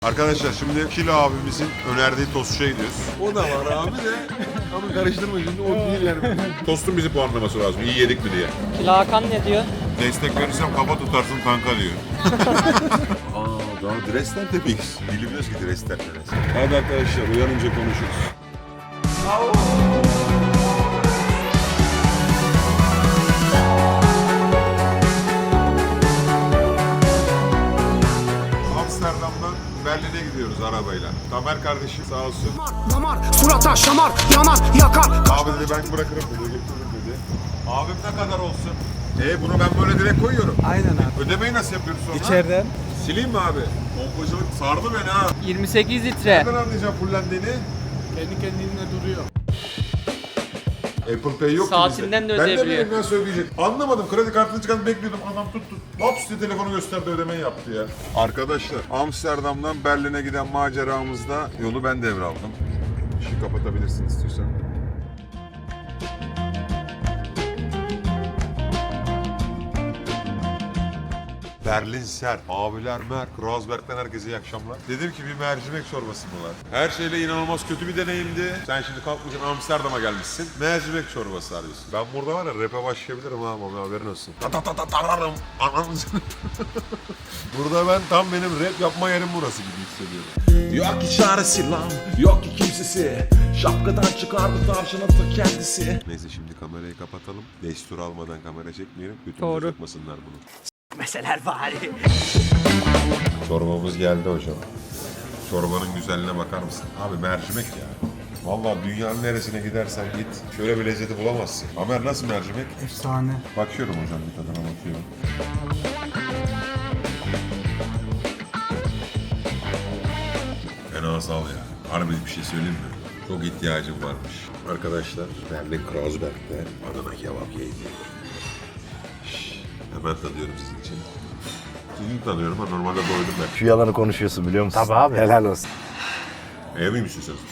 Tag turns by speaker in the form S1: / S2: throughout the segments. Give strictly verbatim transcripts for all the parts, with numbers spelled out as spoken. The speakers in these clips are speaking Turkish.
S1: Arkadaşlar şimdi Kilo abimizin önerdiği tostçuya gidiyoruz.
S2: O da var abi de. Ama karıştırma şimdi o değil yani.
S1: Tostun bizi puanlaması lazım. İyi yedik mi diye.
S3: Kilo Hakan ne diyor?
S1: Destek verirsem kafa tutarsın kanka diyor. Aa daha Dresden tepiyiz. Bilmiyoruz ki Dresden neresi.
S2: Hadi arkadaşlar uyanınca konuşuruz.
S1: Amsterdam'dan Berlin'e gidiyoruz arabayla. Tamer kardeşim sağ olsun.
S4: Damar, surata şamar, yanar, yakar.
S1: Abi dedi ben bırakırım dedi, götürürüm dedi. Abim ne kadar olsun? E bunu ben böyle direkt koyuyorum.
S4: Aynen abi.
S1: Ödemeyi nasıl yapıyoruz sonra?
S4: İçeriden.
S1: Sileyim mi abi? Pompacılık sardı beni ha.
S3: yirmi sekiz litre.
S1: Nereden anlayacağım fullendiğini?
S4: Kendi kendine duruyor.
S1: Apple Pay yok ki
S3: Saatinden
S1: bizde.
S3: de
S1: Ben de
S3: ödeyebiliyor.
S1: bileyim nasıl ödeyecek. Anlamadım. Kredi kartını çıkartıp bekliyordum. Adam tuttu. Hops diye telefonu gösterdi ödemeyi yaptı ya. Arkadaşlar Amsterdam'dan Berlin'e giden maceramızda yolu ben devraldım. Işığı kapatabilirsin istiyorsan. Berlin Ser, abiler Merk, Razberg'den herkese iyi akşamlar. Dedim ki bir mercimek çorbası mı var? Her şeyle inanılmaz kötü bir deneyimdi. Sen şimdi kalkmışsın Amsterdam'a gelmişsin. Mercimek çorbası arıyorsun. Ben burada var ya rap'e başlayabilirim ha ama haberin olsun. Ta ta ta ta tararım. Ananızı. Burada ben tam benim rap yapma yerim burası gibi hissediyorum.
S5: Yok ki çaresi lan, yok ki kimsesi. Şapkadan çıkardı tavşanın ta kendisi.
S1: Neyse şimdi kamerayı kapatalım. Destur almadan kamera çekmeyelim. Götümüze
S3: Doğru.
S1: sokmasınlar bunu.
S4: Meseler bari.
S1: Çorbamız geldi hocam. Çorbanın güzelliğine bakar mısın? Abi mercimek ya. Vallahi dünyanın neresine gidersen git. Şöyle bir lezzeti bulamazsın. Amer nasıl mercimek?
S4: Efsane.
S1: Bakıyorum hocam bir tadına bakıyorum. Fena sal ya. Harbi bir şey söyleyeyim mi? Çok ihtiyacım varmış. Arkadaşlar Berlin Kreuzberg'de Adana kebap yedim. Şşş, hemen tadıyorum sizin için. Sizin tanıyorum ama normalde doydum ben.
S6: Şu yalanı konuşuyorsun biliyor musun?
S4: Tabii abi.
S6: Helal olsun.
S1: Ev misin sen?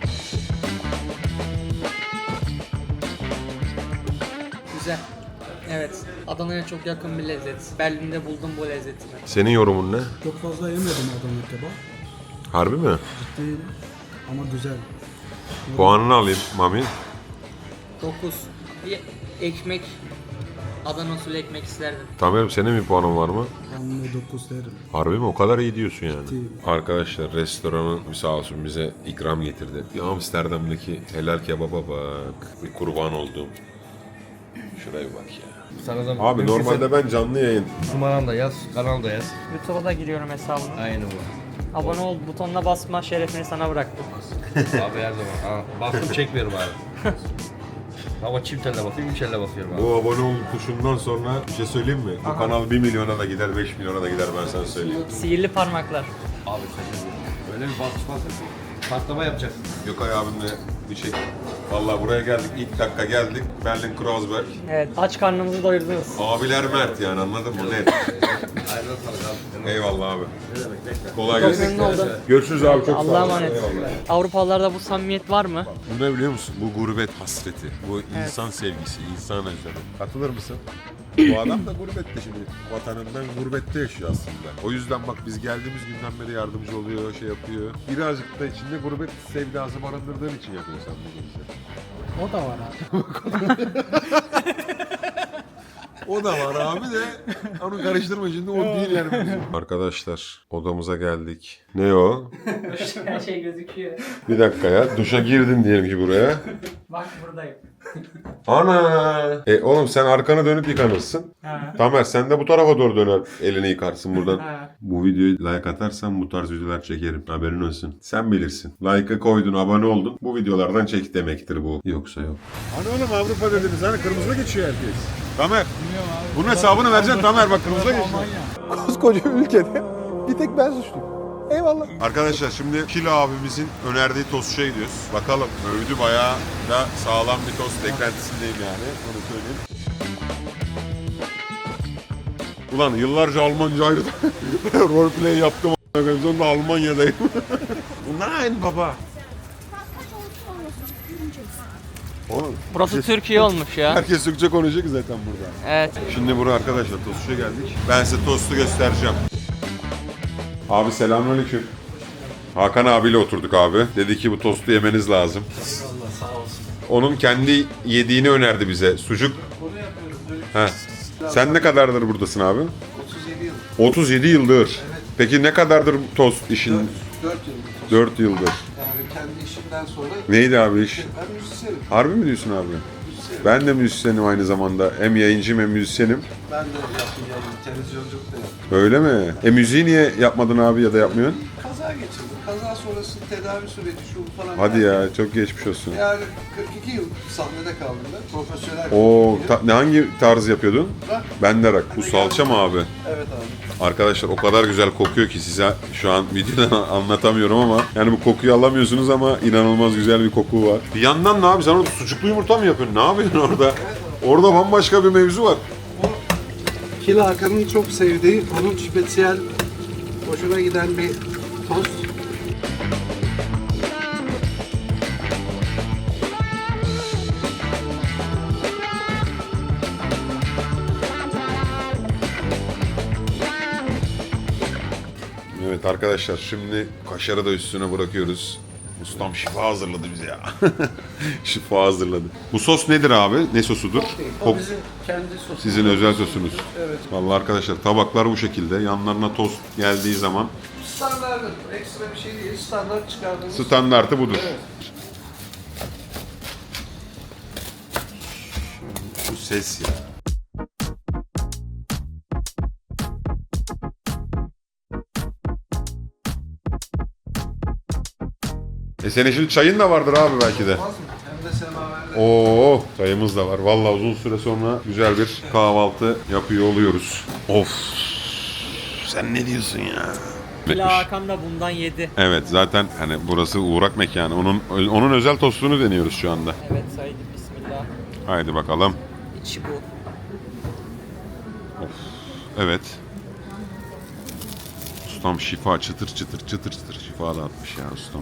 S3: Güzel. Evet. Adana'ya çok yakın bir lezzet. Berlin'de buldum bu lezzetini.
S1: Senin yorumun ne?
S7: Çok fazla yemedim Adana kebap.
S1: Harbi mi?
S7: Değil ama güzel.
S1: Puanını alayım Mami.
S3: dokuz. Bir ekmek. Adana usulü ekmek isterdim.
S1: Tamer'im senin bir puanın var mı?
S7: Ben de dokuz derim.
S1: Harbi mi? O kadar iyi diyorsun yani.
S7: Değil.
S1: Arkadaşlar restoranın sağ olsun bize ikram getirdi. Bir Amsterdam'daki helal kebaba bak. Bir kurban olduğum. Şuraya bir bak ya.
S8: Sana da
S1: Abi normalde ben canlı yayın.
S8: numaran da yaz, kanal da yaz.
S3: YouTube'a da giriyorum hesabına.
S8: Aynı bu.
S3: Abone ol butonuna basma şerefini sana bıraktım.
S8: Abi her zaman. Ha, bastım çekmiyorum abi. Ama çift elle basıyorum, üç elle basıyorum abi.
S1: Bu abone ol tuşundan sonra bir şey söyleyeyim mi? Bu kanal bir milyona da gider, beş milyona da gider ben sana söyleyeyim.
S3: Sihirli parmaklar.
S8: Abi şaşırdım. Böyle bir basış basış. Patlama yapacaksın.
S1: Gökay abimle bir şey. Vallahi buraya geldik, ilk dakika geldik. Berlin Kreuzberg.
S3: Evet, aç karnınızı doyurdunuz.
S1: Abiler mert yani anladın mı? Net.
S8: Ayrıca sana kaldı.
S1: Eyvallah abi. Kolay
S3: Çok
S1: gelsin.
S3: memnun oldum.
S1: Görüşürüz abi çok sağ
S3: Allah'a
S1: olun.
S3: emanet.
S1: Eyvallah.
S3: Avrupalılarda bu samimiyet var mı?
S1: Bu ne biliyor musun? Bu gurbet hasreti. Bu insan sevgisi, insan özlemi. Katılır mısın? Bu adam da gurbette şimdi. Vatanından gurbette yaşıyor aslında. O yüzden bak biz geldiğimiz günden beri yardımcı oluyor, şey yapıyor. Birazcık da içinde gurbet sevdası barındırdığın için yapıyor sen bunu bize.
S7: O da var abi.
S2: O da var abi de. Onu karıştırma şimdi o değil yani.
S1: Arkadaşlar odamıza geldik. Ne o?
S3: Her şey gözüküyor.
S1: Bir dakika ya. Duşa girdin diyelim ki buraya.
S3: Bak buradayım.
S1: Ana! E oğlum sen arkanı dönüp yıkanırsın.
S3: Ha.
S1: Tamer sen de bu tarafa doğru döner elini yıkarsın buradan.
S3: Ha.
S1: Bu videoyu like atarsan bu tarz videolar çekerim. Haberin olsun. Sen bilirsin. Like'ı koydun, abone oldun. Bu videolardan çek demektir bu. Yoksa yok.
S2: Hani oğlum Avrupa dediniz hani kırmızıda geçiyor herkes.
S1: Tamer. Bunun hesabını vereceksin Tamer bak kırmızıda geçiyor.
S7: Koskoca ülkede bir tek ben suçluyum. Eyvallah.
S1: Arkadaşlar şimdi Kilo abimizin önerdiği tostçuya gidiyoruz. Bakalım övdü bayağı da sağlam bir tost beklentisindeyim yani. Onu söyleyeyim. Ulan yıllarca Almanca ayrı roleplay yaptım. Sonunda Almanya'dayım. Nein baba. Oğlum,
S3: Burası Türkiye olmuş ya.
S1: herkes Türkçe konuşuyor ki zaten burada.
S3: Evet.
S1: Şimdi buraya arkadaşlar tostçuya geldik. Ben size tostu göstereceğim. Abi selamünaleyküm. Hakan abiyle oturduk abi. Dedi ki bu tostu yemeniz lazım.
S8: Allah sağ olsun.
S1: Onun kendi yediğini önerdi bize. Sucuk. Heh. Sen ne kadardır buradasın abi?
S2: otuz yedi yıl.
S1: otuz yedi yıldır. Peki ne kadardır tost işin?
S2: dört yıldır.
S1: dört yıldır.
S2: Yani kendi işimden sonra
S1: Neydi abi iş?
S2: ben müzisyenim.
S1: Harbi mi diyorsun abi? Ben de müzisyenim aynı zamanda. Hem yayıncıyım hem müzisyenim.
S2: Ben de yaptım yani televizyonculuk da yaptım.
S1: Öyle mi? E müziği niye yapmadın abi ya da yapmıyorsun?
S2: Kaza geçirdim. Kaza sonrası tedavi süreci şu bu falan.
S1: Hadi
S2: derken
S1: ya çok geçmiş olsun.
S2: Yani kırk iki yıl sahnede kaldım ben. Profesyonel.
S1: Oo,
S2: bir
S1: ta- ne hangi tarz yapıyordun?
S2: Rock.
S1: Ben de rock. Bu salça mı abi?
S2: Evet abi.
S1: Arkadaşlar o kadar güzel kokuyor ki size şu an videodan anlatamıyorum ama yani bu kokuyu alamıyorsunuz ama inanılmaz güzel bir koku var. Bir yandan ne abi sen orada sucuklu yumurta mı yapıyorsun? Ne yapıyorsun orada? Orada bambaşka bir mevzu var.
S2: Kil Hakan'ın çok sevdiği, onun spesiyel hoşuna giden bir tost.
S1: Evet arkadaşlar şimdi kaşarı da üstüne bırakıyoruz. Ustam şifa hazırladı bize ya. Şifa hazırladı. Bu sos nedir abi? Ne sosudur?
S2: O
S1: Kok-
S2: bizim kendi sosumuz.
S1: Sizin özel sosunuz.
S2: Evet.
S1: Vallahi arkadaşlar tabaklar bu şekilde. Yanlarına tost geldiği zaman
S2: Standartı, ekstra bir şey değil. Standart çıkardığımız.
S1: standartı budur.
S2: Evet.
S1: Bu ses ya. E senin şimdi çayın da vardır abi belki de.
S2: Olmaz mı? Hem de semaverde.
S1: Oo, çayımız da var. Vallahi uzun süre sonra güzel bir kahvaltı yapıyor oluyoruz. Of. Sen ne diyorsun ya?
S3: Kila Hakan da bundan yedi.
S1: Evet zaten hani burası uğrak mekanı. Onun onun özel tostunu deniyoruz şu anda.
S3: Evet Said bismillah.
S1: Haydi bakalım.
S3: İçi bu.
S1: Evet. Ustam şifa çıtır çıtır çıtır çıtır şifa dağıtmış ya ustam.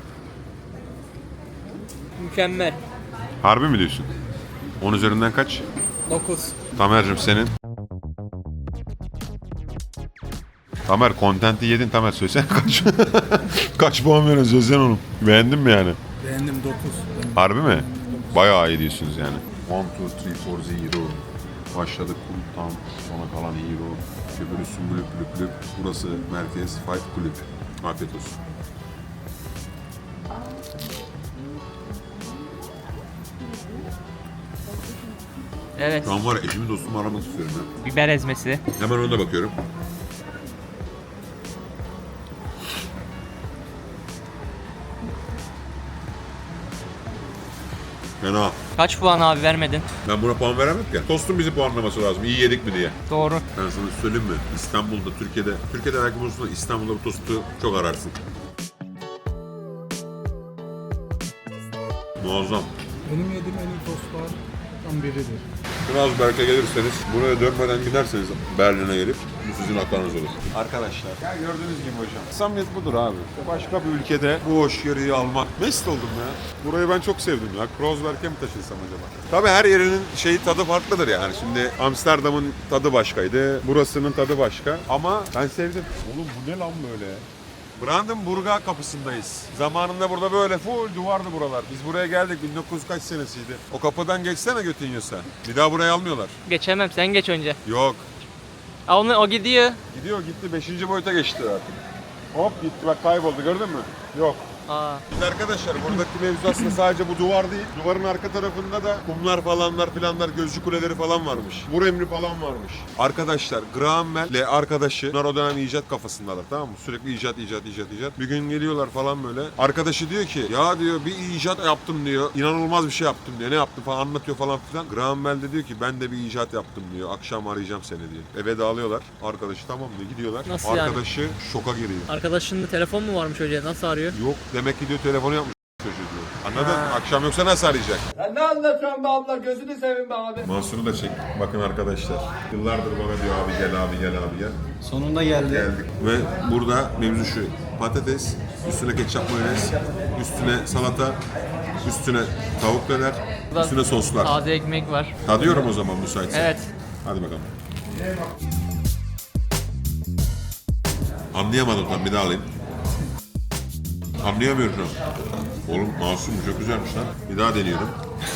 S3: Mükemmel.
S1: Harbi mi diyorsun? on üzerinden kaç?
S3: dokuz.
S1: Tamer'cim senin? Tamer kontenti yedin Tamer söylesene kaç? Kaç puan veriyorsun söylesene oğlum. Beğendin mi yani?
S4: Beğendim dokuz.
S1: Harbi mi? Bayağı iyi diyorsunuz yani. one, two, three, four, zero. Başladık kulüpten sonra kalan hero. Öbürü sümbülüp lüp lüp. Burası merkez fight kulüp. Afiyet olsun.
S3: Evet.
S1: Şu an var ya eşimi dostumu aramak istiyorum ya.
S3: Biber ezmesi.
S1: Hemen ona da bakıyorum. Fena.
S3: Kaç puan abi vermedin?
S1: Ben buna puan veremem ki. Tostun bizi puanlaması lazım. İyi yedik mi diye.
S3: Doğru.
S1: Ben sana söyleyeyim mi? İstanbul'da, Türkiye'de, Türkiye'de belki bulursun da İstanbul'da bu tostu çok ararsın. Muazzam.
S4: Benim yediğim en iyi tostlardan biridir.
S1: Strasbourg'a gelirseniz, buraya dönmeden giderseniz Berlin'e gelip bu sizin haklarınız olur. Arkadaşlar, ya gördüğünüz gibi hocam. Samimiyet budur abi. Başka bir ülkede bu hoşgörüyü almak. Mest oldum ya. Burayı ben çok sevdim ya. Kreuzberg'e mi taşınsam acaba? Tabii her yerinin şeyi tadı farklıdır yani. Şimdi Amsterdam'ın tadı başkaydı. Burasının tadı başka. Ama ben sevdim. Oğlum bu ne lan böyle? Brandenburg'a kapısındayız. Zamanında burada böyle full duvardı buralar. Biz buraya geldik bin dokuz yüz kaç senesiydi. O kapıdan geçsene götün yiyorsa. Bir daha burayı almıyorlar.
S3: Geçemem sen geç önce.
S1: Yok.
S3: Aa, onu, o gidiyor.
S1: Gidiyor gitti. Beşinci boyuta geçti artık. Hop gitti bak kayboldu gördün mü? Yok.
S3: Aa.
S1: Biz arkadaşlar buradaki mevzu aslında sadece bu duvar değil. Duvarın arka tarafında da kumlar falanlar filanlar gözcü kuleleri falan varmış. Vur emri falan varmış. Arkadaşlar Graham Bell ile arkadaşı bunlar o dönem icat kafasındalar tamam mı? Sürekli icat icat icat icat. Bir gün geliyorlar falan böyle. Arkadaşı diyor ki ya diyor bir icat yaptım diyor. İnanılmaz bir şey yaptım diyor. Ne yaptım falan anlatıyor falan filan. Graham Bell de diyor ki ben de bir icat yaptım diyor. Akşam arayacağım seni diyor. Eve dağılıyorlar. Arkadaşı tamam diyor gidiyorlar.
S3: Nasıl yani?
S1: Arkadaşı şoka giriyor.
S3: Arkadaşının telefon mu varmış hocaya? Nasıl arıyor?
S1: Yok demek ki diyor telefonu yapmış çocuğu diyor. Anladın? Akşam yoksa nasıl arayacak?
S4: Sen ne anlatıyorsun be abla? Gözünü seveyim be abi.
S1: Mansur'u da çek. Bakın arkadaşlar. Yıllardır bana diyor abi gel abi gel abi gel.
S4: Sonunda geldi.
S1: Geldik. Ve burada mevzu şu. Patates, üstüne ketçap mayonez, üstüne salata, üstüne tavuk döner, üstüne soslar.
S3: Taze ekmek var.
S1: Tadıyorum o zaman müsaitse.
S3: Evet.
S1: Hadi bakalım. Anlayamadım tam bir daha alayım. Anlayamıyorum. Oğlum masum çok güzelmiş lan. Bir daha deniyorum.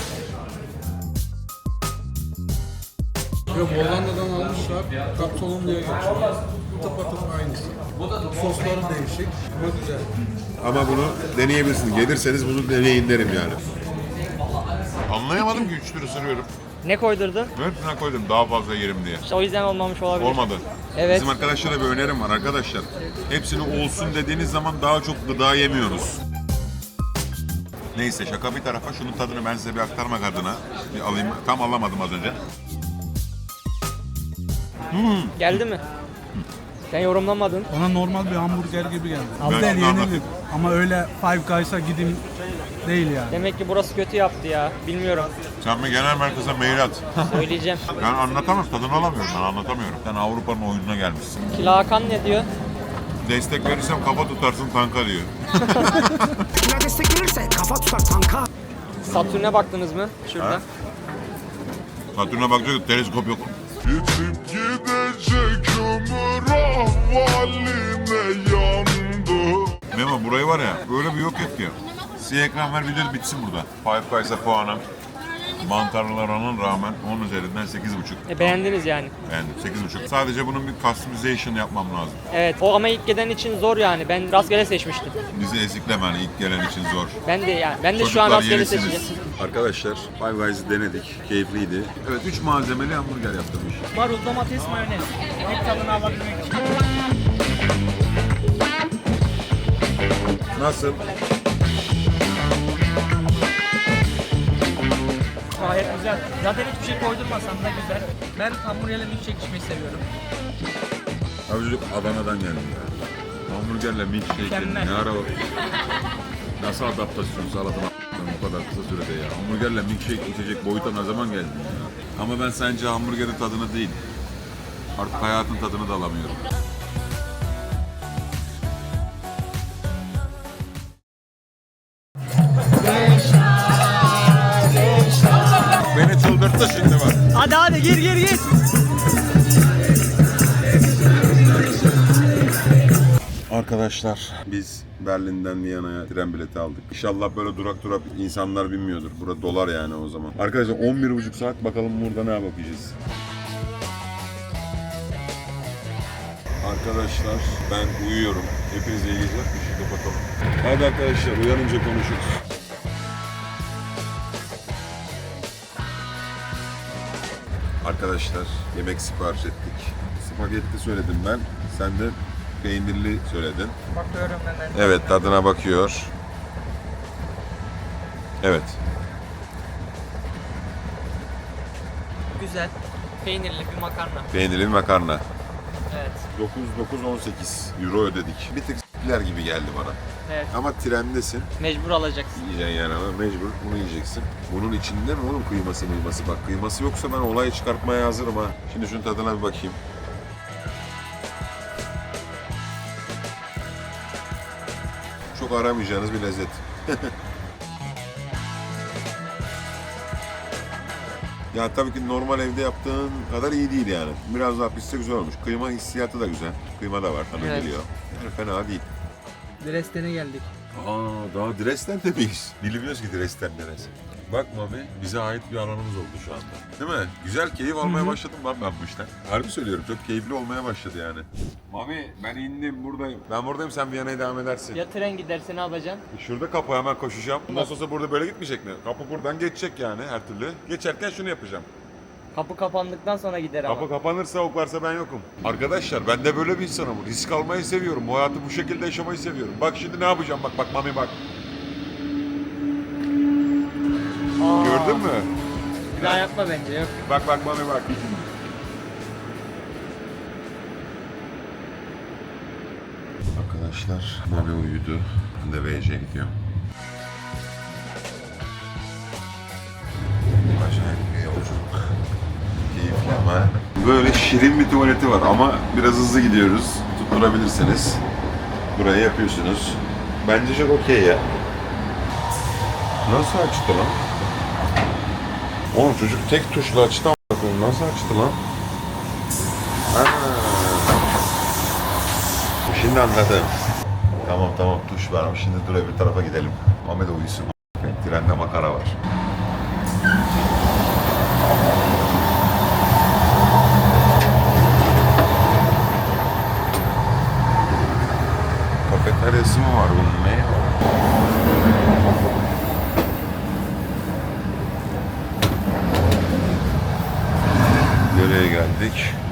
S4: Yok Hollanda'dan almışlar. Kapsolun diye geçiyor. Tıpatıp aynısı. Sosları değişik ama güzel.
S1: Ama bunu deneyebilirsiniz. Gelirseniz bunu deneyin derim yani. Anlayamadım ki üç tür ısırıyorum.
S3: Ne koydurdun?
S1: Hepsine koydum daha fazla yerim diye.
S3: İşte o yüzden olmamış olabilir.
S1: Olmadı.
S3: Evet.
S1: Bizim arkadaşlara bir önerim var arkadaşlar. Hepsini olsun dediğiniz zaman daha çok gıda yemiyoruz. Neyse şaka bir tarafa şunun tadını ben size bir aktarmak adına bir alayım. Tam alamadım az önce.
S3: Geldi mi? Sen yorumlamadın.
S4: Bana normal bir hamburger gibi geldi.
S1: Ben
S4: Abi
S1: şimdi
S4: yeni
S1: anlatayım.
S4: bir. Ama öyle Five Guys'a gideyim değil yani.
S3: Demek ki burası kötü yaptı ya. Bilmiyorum.
S1: Sen bir genel merkeze mail at.
S3: Söyleyeceğim.
S1: Ben anlatamam, tadını alamıyorum, ben anlatamıyorum. Sen Avrupa'nın oyununa gelmişsin.
S3: Kila Hakan ne diyor?
S1: Destek verirsem kafa tutarsın tanka diyor.
S6: Kime destek verirse kafa tutar tanka.
S3: Satürn'e baktınız mı? Şurada.
S1: Ha? Satürn'e bakacak teleskop yok. Yetip gidecek ömür ahvaline yandı. Memo burayı var ya böyle bir yok et ya. Siyah ekran ver video bitsin burada. Five Guys'a puanım. Mantarlılara rağmen on üzerinden sekiz buçuk.
S3: E, beğendiniz yani.
S1: Beğendim sekiz buçuk. Sadece bunun bir customization yapmam lazım.
S3: Evet. O ama ilk gelen için zor yani. Ben rastgele seçmiştim.
S1: Bizi ezikleme hani ilk gelen için zor.
S3: Ben de yani. Ben de şu an
S1: Çocuklar
S3: rastgele
S1: yenisiniz.
S3: seçeceğim.
S1: Arkadaşlar Five Guys'ı denedik. Keyifliydi. Evet üç malzemeli hamburger yaptırmış.
S3: Marul, domates, mayonez. Hep tadını alabilmek için.
S1: Nasıl?
S3: Gayet güzel. Zaten hiçbir şey koydurmasam da güzel. Ben hamburgerle milkshake içmeyi seviyorum.
S1: Abi çocuk Adana'dan geldi ya. Hamburgerle milkshake
S3: Mükemmel.
S1: ne ara o? Nasıl adaptasyon sağladın bu kadar kısa sürede ya? Hamburgerle milkshake içecek boyuta ne zaman geldin ya? Ama ben sence hamburgerin tadını değil, artık hayatın tadını da alamıyorum. Beni çıldırttı şimdi bak.
S3: Hadi hadi gir gir gir.
S1: Arkadaşlar biz Berlin'den Viyana'ya tren bileti aldık. İnşallah böyle durak durak insanlar binmiyordur. Burada dolar yani o zaman. Arkadaşlar on bir buçuk saat bakalım burada ne bakacağız. Arkadaşlar ben uyuyorum. Hepinize iyi geceler. Işığı kapatalım. Hadi arkadaşlar uyanınca konuşuruz. Arkadaşlar yemek sipariş ettik. Spagetti söyledim ben. Sen de peynirli söyledin.
S3: Bakıyorum hemen.
S1: Evet tadına bakıyor. Evet.
S3: Güzel. Peynirli bir makarna.
S1: Peynirli bir makarna.
S3: Evet.
S1: dokuz dokuz on sekiz euro ödedik. Bir tık s**ler gibi geldi bana.
S3: Evet.
S1: Ama trendesin.
S3: Mecbur alacaksın.
S1: Yiyeceksin yani ama mecbur bunu yiyeceksin. Bunun içinde mi oğlum kıyması mıyması? Bak kıyması yoksa ben olay çıkartmaya hazırım ha. Şimdi şunun tadına bir bakayım. Çok aramayacağınız bir lezzet. Ya tabii ki normal evde yaptığın kadar iyi değil yani. Biraz daha pişse güzel olmuş. Kıyma hissiyatı da güzel. Kıyma da var tabii
S3: Evet.
S1: geliyor. Yani fena değil.
S3: Dresden'e geldik.
S1: Aa daha Dresden'de miyiz? Bilmiyoruz ki Dresden neresi. Bak Mami bize ait bir alanımız oldu şu anda. Değil mi? Güzel keyif almaya başladım lan ben bu işten. Harbi söylüyorum çok keyifli olmaya başladı yani. Mami ben indim buradayım. Ben buradayım sen Viyana'ya devam edersin.
S3: Ya tren giderse ne yapacaksın?
S1: Şurada kapı hemen koşacağım. Bundan sonra burada böyle gitmeyecek mi? Kapı buradan geçecek yani her türlü. Geçerken şunu yapacağım.
S3: Kapı kapandıktan sonra gider ama.
S1: Kapı kapanırsa ok varsa ben yokum. Arkadaşlar ben de böyle bir insanım. Risk almayı seviyorum. Bu hayatı bu şekilde yaşamayı seviyorum. Bak şimdi ne yapacağım bak bak Mami bak.
S3: Aa,
S1: Gördün mü?
S3: Bir daha yapma bence yok.
S1: Bak bak Mami bak. Arkadaşlar Mami uyudu. Ben de V C'ye gidiyorum. Acayip bir yolculuk. Keyifli ama. Böyle şirin bir tuvaleti var ama biraz hızlı gidiyoruz. Tutturabilirseniz. Burayı yapıyorsunuz. Bence çok okey ya. Nasıl açtı lan? Oğlum çocuk tek tuşla açtı ama nasıl açtı lan? Ha. Şimdi anladım. Tamam tamam tuş ver. Şimdi dur öbür tarafa gidelim. Ahmet uyusun. Trende makara var. Kafeteryası mı var bunun? Ne? Nereye geldik?